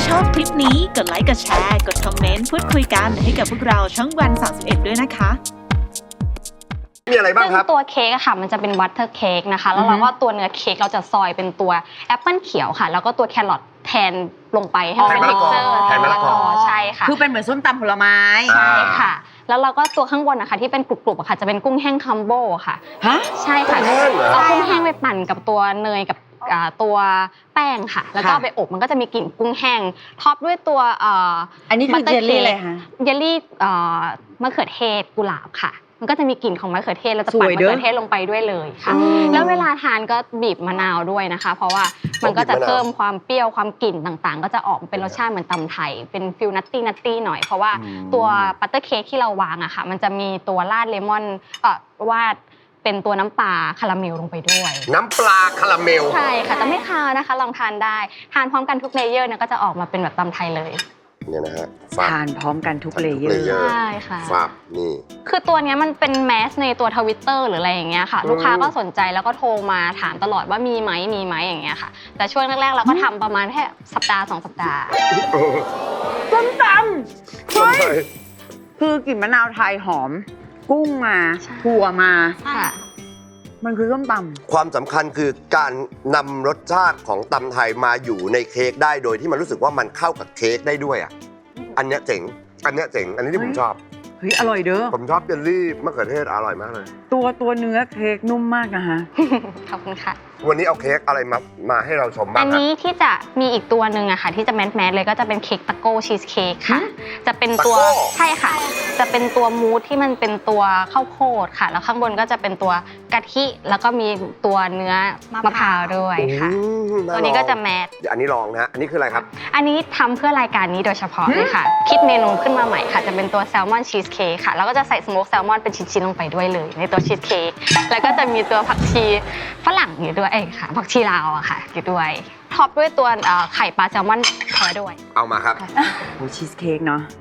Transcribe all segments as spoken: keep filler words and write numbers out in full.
ชอบคลิปนี้กดไลค์กดแชร์กดคอมเมนต์พูดคุยกันให้กับพวกเราช่องวันสามสิบเอ็ดด้วยนะคะมีอะไรบ้างครับตัวเค้กอะค่ะมันจะเป็นบัตเตอร์เค้กนะคะแล้วเราก็ตัวเนื้อเค้กเราจะซอยเป็นตัวแอปเปิลเขียวค่ะแล้วก็ตัวแครอทแทนลงไปให้เป็นเท็กเจอร์แทนมะละกอใช่ค่ะคือเป็นเหมือนส้มตำผลไม้ใช่ค่ะแล้วเราก็ตัวข้างบนนะคะที่เป็นกรุบๆอะค่ะจะเป็นกุ้งแห้งคัมโบค่ะฮะใช่ค่ะเอากุ้งแห้งไปปั่นกับตัวเนยกับตัวแป้งค่ะแล้วก็ไปอบมันก็จะมีกลิ่นกุ้งแห้งท็อปด้วยตัวอันนี้คือเยลลี่อะไรคะเยลลี่มะเขือเทศกุหลาบค่ะมันก็จะมีกลิ่นของมะเขือเทศเราจะปั่นมะเขือเทศลงไปด้วยเลยค่ะแล้วเวลาทานก็บีบมะนาวด้วยนะคะเพราะว่ามันก็จะเพิ่มความเปรี้ยวความกลิ่นต่างๆก็จะออกเป็นรสชาติเหมือนตำไทยเป็นฟิลนัตตี้นัตตี้หน่อยเพราะว่าตัวบัตเตอร์เค้กที่เราวางอะค่ะมันจะมีตัวราดเลมอนเอ่อวาดเป็นตัวน้ำปลาคาราเมลลงไปด้วยน้ำปลาคาราเมลใช่ค่ะแต่ไม่คาวนะคะลองทานได้ทานพร้อมกันทุกเลเยอร์เนี่ยก็จะออกมาเป็นแบบตำไทยเลยเนี่ยนะฮะทานพร้อมกันทุกเลเยอร์ใช่ค่ะฟาบนี่คือตัวนี้มันเป็นแมสในตัวทวิตเตอร์หรืออะไรอย่างเงี้ยค่ะลูกค้าก็สนใจแล้วก็โทรมาถามตลอดว่ามีไหมมีไหมอย่างเงี้ยค่ะแต่ช่วงแรกๆเราก็ทำประมาณแค่สัปดาห์สองสัปดาห์ส้มตำเฮ้ยคือกลิ่นมะนาวไทยหอมกุ้งมาถั่วมาค่ะมันคือส้มตำความสำคัญคือการนำรสชาติของตำไทยมาอยู่ในเค้กได้โดยที่มันรู้สึกว่ามันเข้ากับเค้กได้ด้วยอ่ะอันเนี้ยเจ๋งอันเนี้ยเจ๋งอันนี้ที่ผมชอบเฮ้ยอร่อยเด้อผมชอบเยลลี่มะเขือเทศอร่อยมากเลยตัวตัวเนื้อเค้กนุ่มมากนะฮะขอบคุณค่ะวันนี้เอาเค้กอะไรมามาให้เราชมบ้างอันนี้ที่จะมีอีกตัวหนึ่งอะค่ะที่จะแมสแมสเลยก็จะเป็นเค้กตะโก้ชีสเค้กค่ะจะเป็นตัวใช่ค่ะจะเป็นตัวมูสที่มันเป็นตัวข้าวโพดค่ะแล้วข้างบนก็จะเป็นตัวกะทิแล้วก็มีตัวเนื้อมะพร้าวด้วยค่ะตัวนี้ก็จะแมสอันนี้ลองนะอันนี้คืออะไรครับอันนี้ทำเพื่อรายการนี้โดยเฉพาะเลยค่ะคิดเมนูขึ้นมาใหม่ค่ะจะเป็นตัวแซลมอนชีสเค้กค่ะแล้วก็จะใส่สโมกแซลมอนเป็นชิ้นๆลงไปด้วยเลยในตัวชีสเค้กแล้วก็จะมีตัวผักชีฝรั่งอยู่ด้วยเอ้ค่ะผักชีลาวอะค่ะอยู่ด้วยท็อปด้วยตัวไข่ปลาแซลมอนแท้ด้วยเอามาครับโอ้ชีสเค้กเนาะ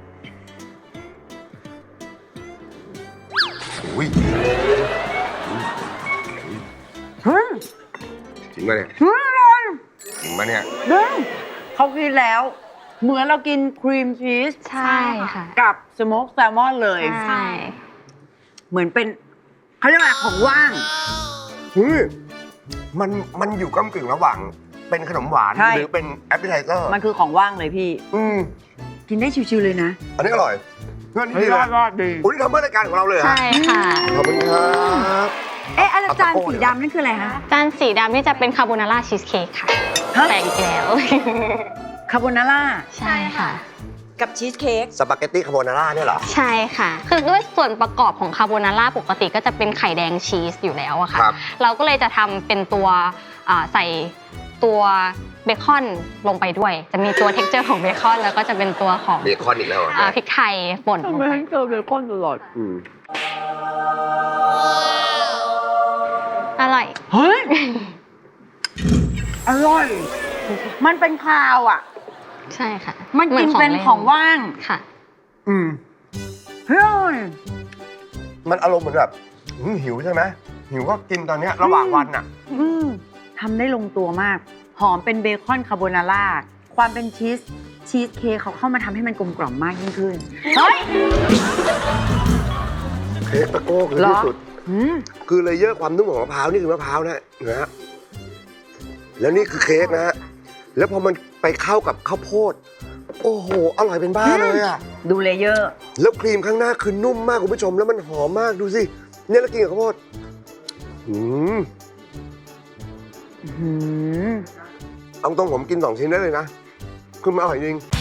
อุ้ยจริงไหมเนี่ยจริงไหมเนี่ยเขากินแล้วเหมือนเรากินครีมชีสใช่ค่ะกับสโมกแซลมอนเลยใช่เหมือนเป็นเขาเรียกว่าของว่างมันมันอยู่ก้ำกึ่งระหว่างเป็นขนมหวานหรือเป็นแอปเปิลไทเซอร์มันคือของว่างเลยพี่อืมกินได้ชิวๆเลยนะอันนี้อร่อยเพื่อนนี่ดีเลยดีอุ้ยทำเพื่อรายการของเราเลยใช่ค่ะขอบคุณครับเอ๊ะอาจารย์สีดำนั่นคืออะไรคะจานสีดำนี่จะเป็นคาโบนาร่าชีสเค้กค่ะแต่อีกแล้วคาโบนาร่าใช่ค่ะกับชีสเค้กสปาเกตตี้คาโบนาร่าเนี่ยเหรอใช่ค่ะคือด้วยส่วนประกอบของคาโบนาร่าปกติก็จะเป็นไข่แดงชีสอยู่แล้วอะค่ะเราก็เลยจะทำเป็นตัวใส่ตัวเบคอนลงไปด้วยจะมีตัวเท็กเจอร์ของเบคอนแล้วก็จะเป็นตัวของเบคอนอีกแล้วพริกไทยป่นลงไปเจอเบคอนตลอดอร่อยเฮ้ยอร่อยมันเป็นคาวอ่ะใช่ค่ะมันกินเป็นของว่างค่ะอืมเฮ้ยมันอารมณ์เหมือนแบบหิวใช่ไหมหิวก็กินตอนนี้ระหว่างวันอ่ะทำได้ลงตัวมากหอมเป็นเบคอนคาโบนาร่าความเป็นชีสชีสเค้กเขาเข้ามาทำให้มันกลมกล่อมมากยิ่งขึ้นเฮ้ยเค้กตะโก้คือที่สุดคือเลเยอร์ความนุ่มของมะพร้าวนี่คือมะพร้าวนะนะฮะแล้วนี่คือเค้กนะฮะแล้วพอมันไปเข้ากับข้าวโพดโอ้โหอร่อยเป็นบ้าเลยอ่ะดูเลเยอร์แล้วครีมข้างหน้าคือนุ่มมากคุณผู้ชมแล้วมันหอมมากดูสิเนี่ยแล้วกินกับข้าวโพดอืมเอาตรงผมกินสองชิ้นได้เลยนะคือมันอร่อยจริง